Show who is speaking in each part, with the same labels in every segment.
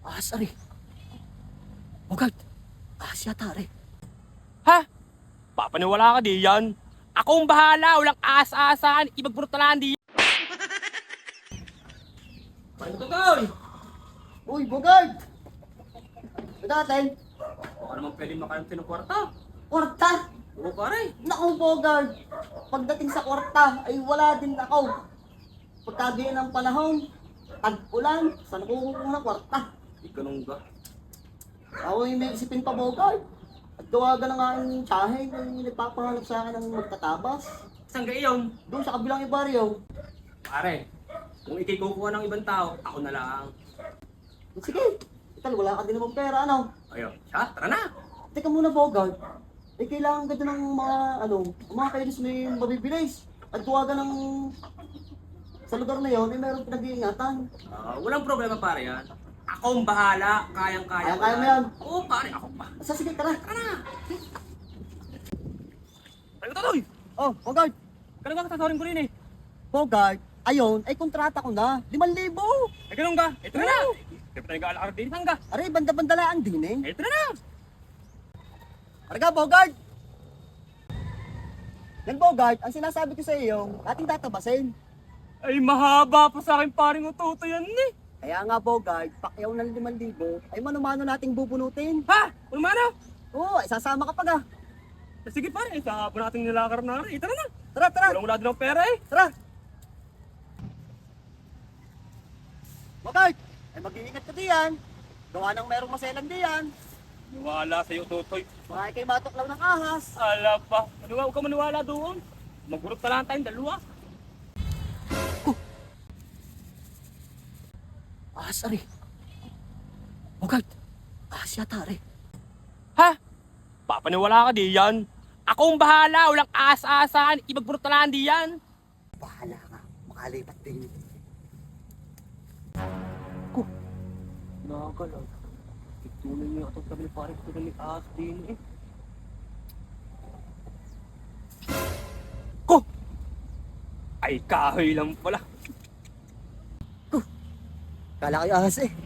Speaker 1: Sari. Bogart. Siya tare.
Speaker 2: Ha? Papaniwala ka di yan. Ako ang bahala, walang aas-aasahan, ibagbrutalan di yan. Paano to, Toy?
Speaker 1: Uy, Bogart! Ito natin.
Speaker 2: Baka naman pwede makalimti ng kwarta.
Speaker 1: Kwarta!
Speaker 2: Oo, pare.
Speaker 1: Naku, Bogart! Pagdating sa kwarta, ay wala din ako. Pagkagaya ng panahon, tag-ulan, saan ako kukuha ng kwarta?
Speaker 2: Di ganun ka.
Speaker 1: Ako yung may isipin pa, Bogart. At tawagan na nga yung tsahe na nagpapahanap sa akin ng magtatabas.
Speaker 2: Saan ka iyon?
Speaker 1: Doon sa kabilang ibaryo.
Speaker 2: Pare, kung ikay kukuha ng ibang tao, ako na lang.
Speaker 1: Sige, ital, wala ka din namang pera, ano?
Speaker 2: Ayun, siya, tara na.
Speaker 1: Teka muna, Bogart. Kailangan ka din ng mga kainis may mabibilis. At tuwagan ng sa lugar na yon, meron pinag-iingatan.
Speaker 2: Walang problema, pare yan. Ako ang bahala, kayang-kaya.
Speaker 1: Kaya mo yan.
Speaker 2: Oo, pare, ako pa.
Speaker 1: Sige, tara.
Speaker 2: Tara na. Ano to, Toy?
Speaker 1: Oh, Bogart.
Speaker 2: Ganun ka kasasawarin ko rin eh.
Speaker 1: Bogart, ayun, ay kontrata ko na. 5,000.
Speaker 2: Ay, ganun ka. Ito na na. Kaya pa tayo nag-aalakar din, saan ka?
Speaker 1: Aray, banda-bandalaan din eh.
Speaker 2: Ito na na.
Speaker 1: Arga, Bogart. Yan, Bogart, ang sinasabi ko sa iyo, ating tatabasin.
Speaker 2: Ay, mahaba pa sa akin paring ututo yan eh.
Speaker 1: Kaya nga, Bogart, pakyaw ng 5,000, ay mano-mano nating bubunutin.
Speaker 2: Ha? Ulmano?
Speaker 1: Oo, ay sasama ka pa ga.
Speaker 2: Sige pare, sa hapon natin nilakar na rin. Tara na.
Speaker 1: Tara, tara.
Speaker 2: Walang din ng pera eh.
Speaker 1: Tara! Bogart! Ay mag-iingat ka diyan. Gawa ng merong maselan diyan.
Speaker 2: Maniwala sa'yo, Totoy.
Speaker 1: Baka kay matuklaw ng ahas.
Speaker 2: Ala pa. Huwag ka maniwala doon. Magurot na lang tayong dalawa.
Speaker 1: Sari. Bogart! Siya tare.
Speaker 2: Ha? Papaniwala ka di yan. Ako ang bahala, walang aas-aasahan, ibagbrutalan di yan.
Speaker 1: Bahala ka. Makalipat din.
Speaker 2: Nakakalaw. Ituloy niyo atong sabi ni pare ko na may aas din eh. Ko! Ay, kahoy lang pala.
Speaker 1: Kala kayo ahas eh.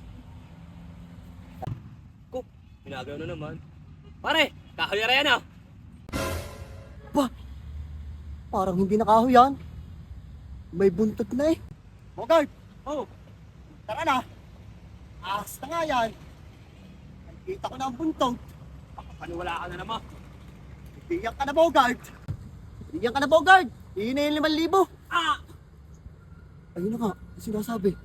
Speaker 2: Ko, ginagawa na naman. Pare, kahoy na yan ah.
Speaker 1: Ba? Parang hindi nakaho yan. May buntot na eh. Bogart!
Speaker 2: Oh,
Speaker 1: Tara na! Ahas na nga yan. Nakikita ko na ang buntot.
Speaker 2: paniwala ka na naman.
Speaker 1: Iiyak ka na, Bogart! Iiyak ka na, Bogart! Iyon na yung 5,000.
Speaker 2: Ah!
Speaker 1: Ayun na nga, sinasabi.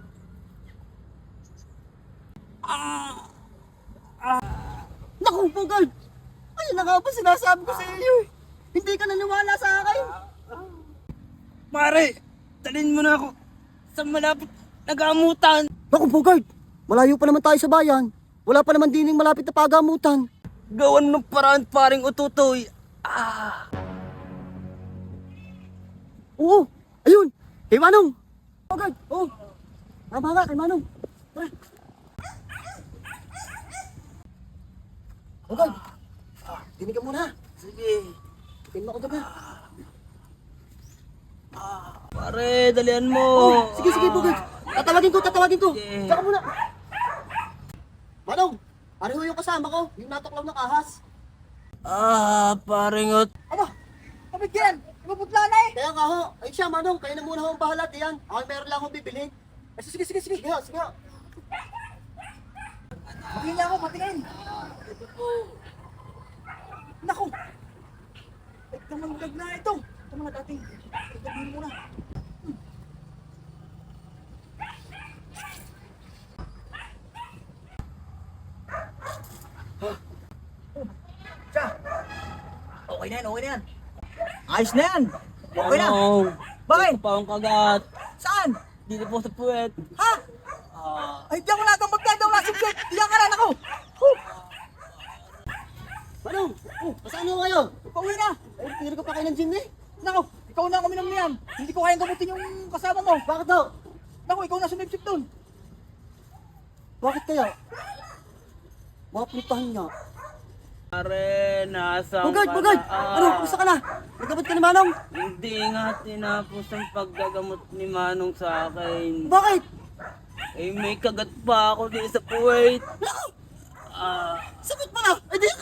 Speaker 1: Naku, Bogart! Ayun na nga ba sinasabi ko sa iyo eh. Hindi ka naniwala sa akin.
Speaker 2: Pare, dalhin mo na ako sa malapit na gamutan.
Speaker 1: Naku, Bogart! Malayo pa naman tayo sa bayan. Wala pa naman dining malapit na pagamutan.
Speaker 2: Gawan ng paraan paring ututoy.
Speaker 1: Oo, ayun! Kay Manong! Bogart, oo! Tama nga, kay Manong. Tara! Bogart! Dinig ka muna.
Speaker 2: Sige.
Speaker 1: Tingin mo ako doon.
Speaker 2: Pare, dalian mo.
Speaker 1: Sige, sige, Bogart. Tatawagin ko.
Speaker 2: Sige.
Speaker 1: Tsaka muna. Manong, pareho yung kasama ko, yung natuklaw ng ahas.
Speaker 2: Paring ut.
Speaker 1: Aba, kapit yan. Ibubutla na eh. Kaya nga ho. Ay siya, Manong, kayo na muna ho ang bahala. Diyan. Ako meron lang akong bibilhin. Ay, sige. Sige ho. Matingin ako, matingin. Naku! Ay, namandag na ito. Ito mga dating. Itabihin mo na.
Speaker 3: Okay na yan. Ayos na yan. Okay na.
Speaker 2: Ano?
Speaker 3: Bakit?
Speaker 2: Pa ang kagat.
Speaker 3: Saan?
Speaker 2: Dito po sa puwet.
Speaker 3: Ha? Ay, di ako natambag daw na subject. Diyan ka na ako.
Speaker 1: Manong, masaan ho kayo?
Speaker 3: Pauwi na.
Speaker 1: Ay, tinira ko pa kayo ng gym eh.
Speaker 3: Nako, ikaw na kami ng niyan. Hindi ko kayang gamutin yung kasama mo.
Speaker 1: Bakit daw?
Speaker 3: Nako, ikaw na sumipsip doon.
Speaker 1: Bakit kaya? Mapuntahan niya.
Speaker 2: Pare, nasa
Speaker 1: Bogart! Ano, kumusta ka na? Nagabot ka ni Manong?
Speaker 2: Hindi nga tinapos ang paggagamot ni Manong sa akin.
Speaker 1: Bakit?
Speaker 3: Eh, may kagat pa ako din sa puwet.
Speaker 1: Naku! Sabit mo na! Ay, di